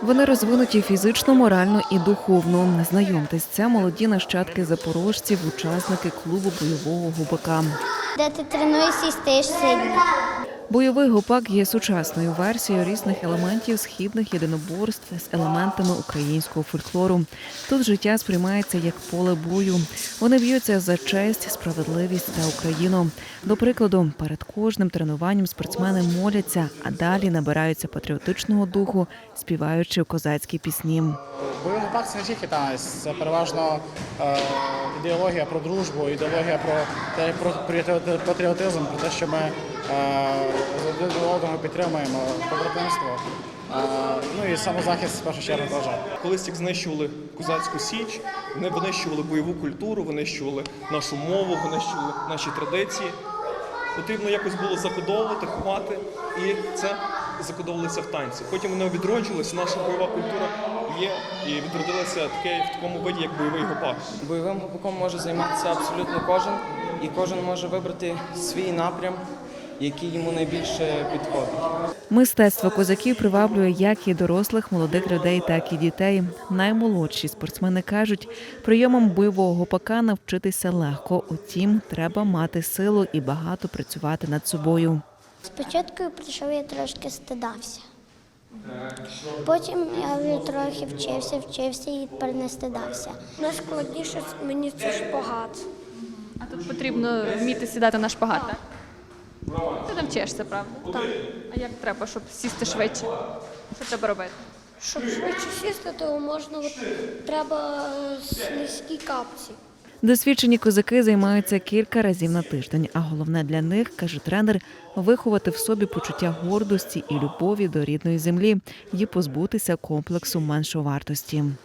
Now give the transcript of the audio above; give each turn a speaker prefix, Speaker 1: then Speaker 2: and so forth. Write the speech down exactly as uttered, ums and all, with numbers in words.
Speaker 1: Вони розвинуті фізично, морально і духовно. Знайомтесь, це молоді нащадки запорожців, учасники клубу бойового гупака.
Speaker 2: Де ти тренуєшся і стаєш сильним.
Speaker 1: Бойовий гупак є сучасною версією різних елементів східних єдиноборств з елементами українського фольклору. Тут життя сприймається як поле бою. Вони б'ються за честь, справедливість та Україну. До прикладу, перед кожним тренуванням спортсмени моляться, а далі набираються патріотичного духу, співаючи козацькі пісні.
Speaker 3: Бойовий гупак – це не тільки танець, це переважно е, ідеологія про дружбу, ідеологія про, те, про патріотизм, про те, що ми е, один одного підтримуємо, побратимство. Е, ну і самозахист, в першу чергу, теж.
Speaker 4: Колись як знищували козацьку січ, вони винищували бойову культуру, винищували нашу мову, винищували наші традиції. Потрібно якось було закодовувати, ховати, і це закодовувалося в танці. Потім вони відроджувалися, наша бойова культура є і відродилася таке в такому виді, як бойовий гупак.
Speaker 5: Бойовим гупаком може займатися абсолютно кожен, і кожен може вибрати свій напрям, який йому найбільше підходить.
Speaker 1: Мистецтво козаків приваблює як і дорослих, молодих людей, так і дітей. Наймолодші спортсмени кажуть, прийомом бойового гупака навчитися легко. Утім, треба мати силу і багато працювати над собою.
Speaker 2: Спочатку я прийшов, я трошки стидався. Потім я вже трохи вчився, вчився і тепер не стидався.
Speaker 6: Найскладніше мені це шпагат.
Speaker 7: А тут потрібно вміти сідати на шпагат, так? Ти навчишся, правда?
Speaker 6: Так.
Speaker 7: А як треба, щоб сісти швидше? Що треба робити?
Speaker 6: Щоб швидше сісти, то можна, от, треба слизькі капці.
Speaker 1: Досвідчені козаки займаються кілька разів на тиждень, а головне для них, каже тренер, виховати в собі почуття гордості і любові до рідної землі і позбутися комплексу меншовартості.